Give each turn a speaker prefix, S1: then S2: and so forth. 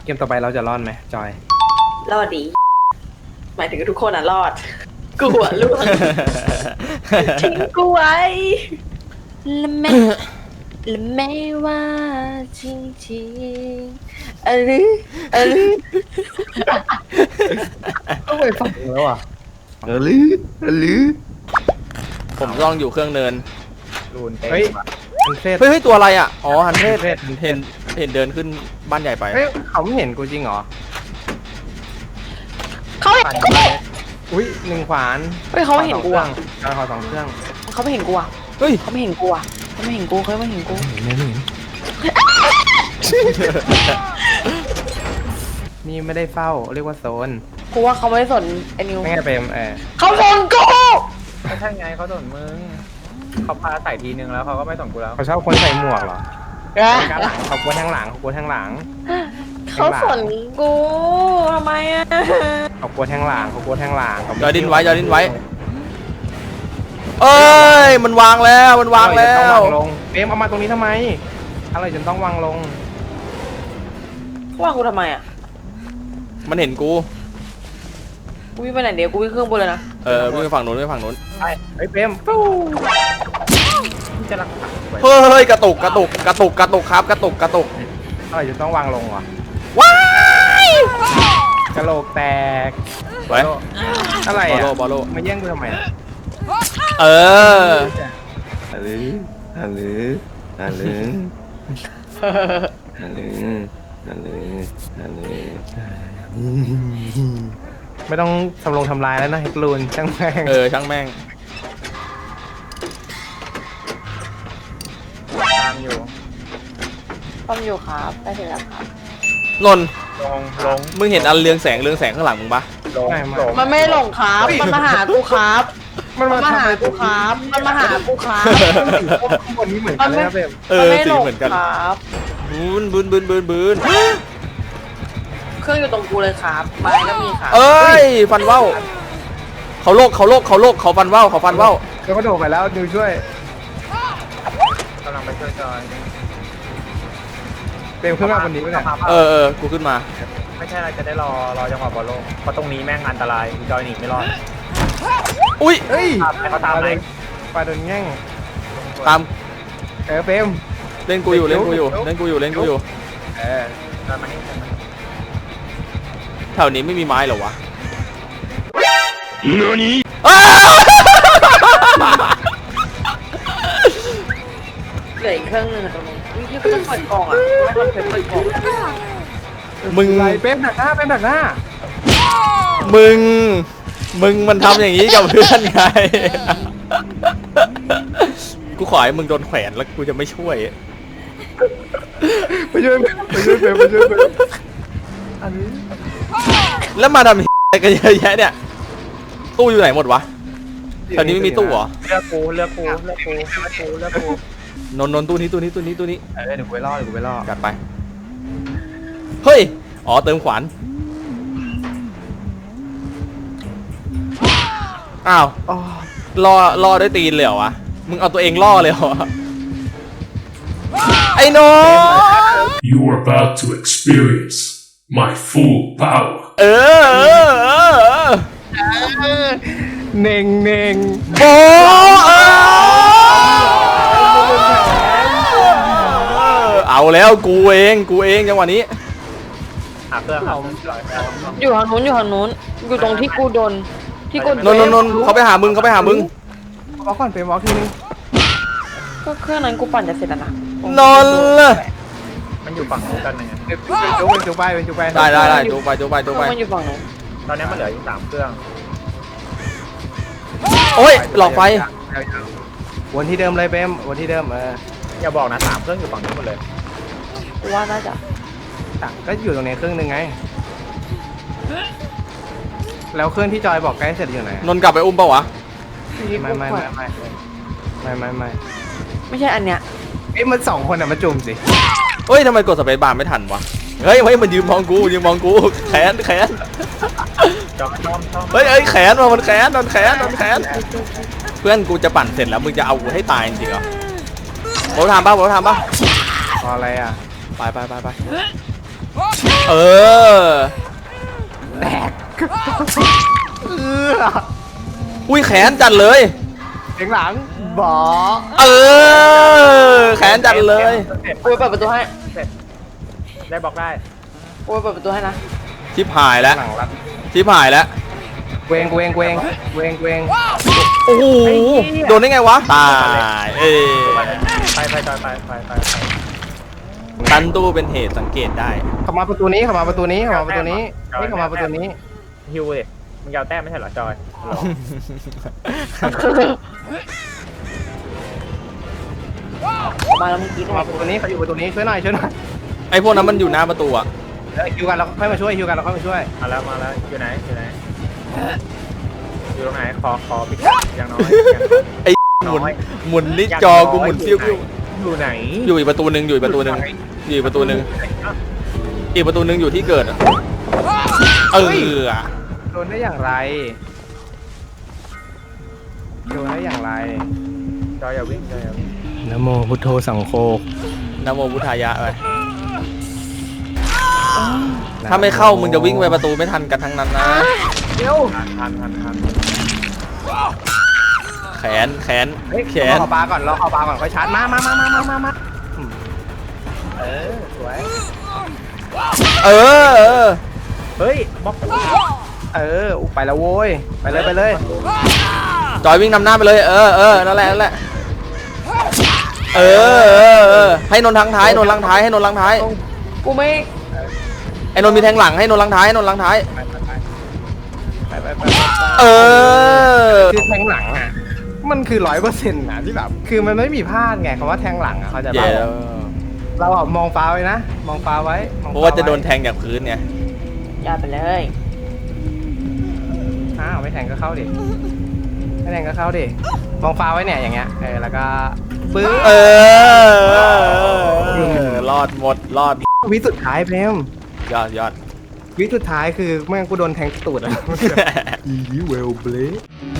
S1: มต่อไปเราจะรอดไหมจอย
S2: รอดดีหมายถึงทุกคนอ่ะรอดกูอ่ะล่วงทิ้งกูไว้และแม่ว่าจริงๆอะไรอะไร
S1: ต้องไปฝั่งแล้วอ่ะ
S3: ผมลองอยู่เครื่องเนิน
S4: รูนเต็ม
S1: เฮ้ยมันเซต
S3: เฮ้ยตัวอะไรอ่ะอ๋อฮันเทส
S1: เทศ
S3: เห็นเดินขึ้นบ้านใหญ่ไป
S1: เฮ้ยเขาไม่เห็นกูจริงเหรอ
S2: เขาเห็นกู
S1: อุ้ยหนึ่งขวาน
S2: เฮ้ยเขาไม่เห็นกูอ่ะ
S1: ขอสองเครื่อง
S2: เขาไม่เห็นกูอ่ะ
S3: เฮ้ย
S2: เขาไม่เห็นกูอ่ะเขาไม่เห็นกูเขาไม่เห็นกู
S1: นี่ไม่ได้เฝ้าเรียกว่าโซน
S2: กูว่าเขาไม่สนไอ้นิว
S1: ไม่ไงเปรม
S2: เขาสนกู
S4: ไม่ใช่ไงเขาสนมึงเขาพาใส่ทีนึงแล้วเขาก็ไม่สนกูแล้ว
S1: เขาชอบคนใส่หมวกเหรอ
S2: อะ
S1: ข้างหลังเขากลัวทางหลังเขากลัวทางหลัง
S2: เขาสนกูทำไมอ่ะ
S1: เขากลัวทางหลังเขากลัวทางหลังเขา
S3: ยอดินไว้เอ้ยมันวางแล้วมันวางแล้
S1: ต้อง
S3: ว
S1: วางลงเปรมเอามาตรงนี้ทำไมอะไรจนต้องวางลง
S2: ว่ากูทำไมอ่ะ
S3: มันเห็นกู
S2: กูวิ่งไปไหนเดี๋ยวกูวิ่งเครื่องบนเลยนะ
S3: วิ่งไปฝั่งนู้นวิ่งไปฝั่งนู้น
S1: เฮ้ยเปรมฟู้
S4: จะรักษาไว้
S3: เฮ้ยกระตุกครับกระตุก
S1: อะไรจนต้องวางลงวะ
S3: ว้าย
S1: กระโหลกแตก
S3: ไว้
S1: อะไร
S3: บอล
S1: อ่ะ
S3: โลบอลโล
S1: มาแย่งกูทำไมอะ
S3: เออ
S1: ไม่ต้องทำลายแล้วนะเฮกลูนช่างแม่ง
S3: ช่างแม่ง
S4: ตามอยู่
S2: ต้อมอยู่ครับได้เสร็จแล้วครับ
S3: นนท์
S4: ลง
S3: มึงเห็นอันเรืองแสงข้างหลังมึงปะ
S4: ลง
S2: มันไม่หลงครับมันมาหากูครับ
S1: มัน
S2: มัน
S1: มา
S2: มา
S1: ทำ
S2: หา
S1: อะไร
S2: กูครับมันมาหากูครับ
S1: ข้างบนนี้เหมือนกันเลยนะเปรม
S2: มันไม่
S3: สี
S2: หลง
S3: เหมือนกัน
S2: ครับ
S3: บืน
S2: เครื่องอยู่ตรงกูเลยครับไม้ก็มีครับ
S3: เอ้ยฟันว่าวเขาโลกเขาฟันว่าว
S1: แล้วก็โดดไปแล้วดูช่วย
S4: กำลังไปช่วยจอย
S1: เปรมขึ้นมาคนนี้ไม่ได้
S3: กูขึ้นมา
S4: ไม่ใช่เราจะได้รอจังหวะบอลโลกเพราะตรงนี้แม่งอันตรายจอยหนีไม่รอด
S3: อุ้ย
S1: เฮ้ย
S4: ให้เขาตามไหม
S1: ปลาโดนแง่ง
S3: ตาม
S1: เปรม
S3: เล่นกูอยู่
S1: เล่นกูอยู่
S4: จอยมานี่
S3: แถวนี้ไม่มีไม้เหรอวะ
S2: เหลืออีกเครื่องหนึงอะตรงนี้วิ่งที่กูต้องเปิดกล่องอ่ะกูไม่ทำเปิดกล่อง
S3: มึง
S1: ไรเปรมดักหน้าเปรมดักหน้า
S3: มึงมันทำอย่างนี้กับเพื่อนไง กูขอให้มึงโดนแขวนแล้วกูจะไม่ช่วย
S1: ไปช่วยเปรมอันนี้
S3: แล้วมาทำอะไรกันเยอะแยะเนี่ย ตู้อยู่ไหนหมดวะแถวนี้ไม่มีตู้เหรอ
S4: เลือกกู
S3: นนตู้นี้
S1: เดี๋ยวกูไปล่อ
S3: จัดไป เฮ้ย อ๋อเติมขวาน อ้าว
S1: อ๋อ
S3: ล่อด้วยตีนเลยเหรอวะ มึงเอาตัวเองล่อเลยเหรอ ไอ้โน
S5: You are about to experience my full power.
S3: เออ
S1: เน่ง
S3: โบเอาแล้วกูเองจังหวะนี้
S4: หาเครื่องเขา
S2: อยู่ทางนู้นอยู่ตรงที่กูโดนที่กู
S3: นนเขาไปหามึง
S1: วอลก่อนเปรมวอลทีนึง
S2: ก็เครื่องนั้นกูปั่นจะเสร็จแล้วนะ
S3: นนเลย
S4: มันอยู่ฝั่งนู้นกันไง
S1: จุกไป
S3: ได้จูไป
S2: เครื่องมันอยู่ฝั่งนู้น
S4: ตอนนี้มันเหลืออยู่3เครื่อง
S3: โอ้ยหลอกไฟ
S1: วนที่เดิมเลยเปรมวนที่เดิม
S4: อย่าบอกนะ3เครื่องอยู่ฝั่งนู้นหมดเลย
S2: กูว่าน่าจะ
S1: ก็อยู่ตรงนี้เครื่องนึงไงแล้วเครื่องที่จอยบอกใกล้เสร็จอยู่ไหน
S3: นนกลับไปอุ้มเปล่าวะ
S1: ไม่
S2: ไม่ใช่อันเนี้ย
S1: ไอ้มัน2คนอ่ะมาจุ่มสิ
S3: เฮ้ยทำไมกดสเปซบาร์ไม่ทันวะ เฮ้ยมันยืนมองกูแขน
S4: จอยต้อม
S3: เฮ้ยแขนว่ะมันแขนโดนแขนเพื่อนกูจะปั่นเสร็จแล้วมึงจะเอากูให้ตายจริงเหรอโบทามป่ะ
S1: พออะไรอ่ะ
S3: ไปเออ
S1: แตก
S3: อุ้ยแขนจัดเลย
S1: เสียงหลังบอ
S3: เออแขนจัดเลย
S2: กูไปเปิดประตูให้
S4: ได้บล็อกได้
S2: กูไปเปิดประตูให้นะ
S3: ชิบหายแล้ว
S1: หลังรัด
S3: ชิบหายแล้ว
S1: เวงเวงเวงเวงเวง
S3: โอ้โหโดนได้ไงวะตายเอ้ย
S4: ไปจอยไป
S3: ตันตู้เป็นเหตุสังเกตได้
S1: เข้ามาประตูนี้เข้ามาประตูนี้เข้ามาประตูนี้นี่เข้ามาประตูนี้
S4: ฮิวดิมึงยาวแต้มไม่ใช่เหรอจอยเหรอ
S2: มาแล้วเมื่อกี้
S1: เข้ามาประตูนี้เขาอยู่ประตูนี้ช่วยหน่อยช่วยหน่อย
S3: ไอพวกนั้นมันอยู่หน้าประตูอะ
S1: คิวกันเราค่อยมาช่วยคิวกันเราค่อยมาช่วย
S4: มาแล้วอยู่ไหนอยู่ตรงไหนขอปิดอย่างน้อย
S3: ไอหมุนนี่จอกูหมุนฟิว
S4: อยู่ไหน
S3: อยู่อีกประตูหนึ่งอยู่อีกประตูหนึ่งอยู่อีกประตูหนึ่งอีกประตูหนึ่งอยู่ที่เกิดอะเออ
S1: โดนได้อย่างไรโดนได้อย่างไร
S4: จอยอย่าวิ่ง
S1: นะโมพุทโธสังโฆ
S3: นะโมพุทธายะไปถ้าไม่เข้ามึงจะวิ่งไปประตูไม่ทันกันทั้งนั้นนะ
S1: เดี๋ยว
S4: ทัน
S3: แขนแขน
S1: เฮ้ย
S3: แข
S1: ร
S3: น
S1: อปลาก่อนรอปลาก่อนค่อยชาร์จมาเออสวย
S3: เออ
S4: เฮ้ยบล็อก
S1: ไปแล้วโว้ยไปเลย
S3: จอยวิ่งนำหน้าไปเลยเออนั่นแหละเออให้นนทางท้ายนนทางท้ายให้นนทางท้าย
S2: กูไม่
S3: ไอ้นนมีแทงหลังให้นนทางท้ายนนทางท้าย
S1: ไป
S3: เออ
S1: คือแทงหลังอ่ะมันคือ100%นะที่แบบคือมันไม่มีพลาดไงคำว่าแทงหลังอ่ะเขาใจะ
S3: เย่
S1: เราอ่ะมองฟ้าไว้นะมองฟ้าไว้
S3: เพราะว่าจะโดนแทงจากพื้นไง
S2: อย่าไปเลย
S1: อ้าวไม่แทงก็เข้าดิไม่แทงก็เข้าดิมองฟ้าไว้เนี่ยอย่างเงี้ยแล้วก็ปึ๊บ
S3: รอดหมดรอด
S1: วิสุดท้ายเพม
S3: ยอด
S1: วิสุดท้ายคือแม่งกูโดนแทงตูดอ่ะอีเวลเบล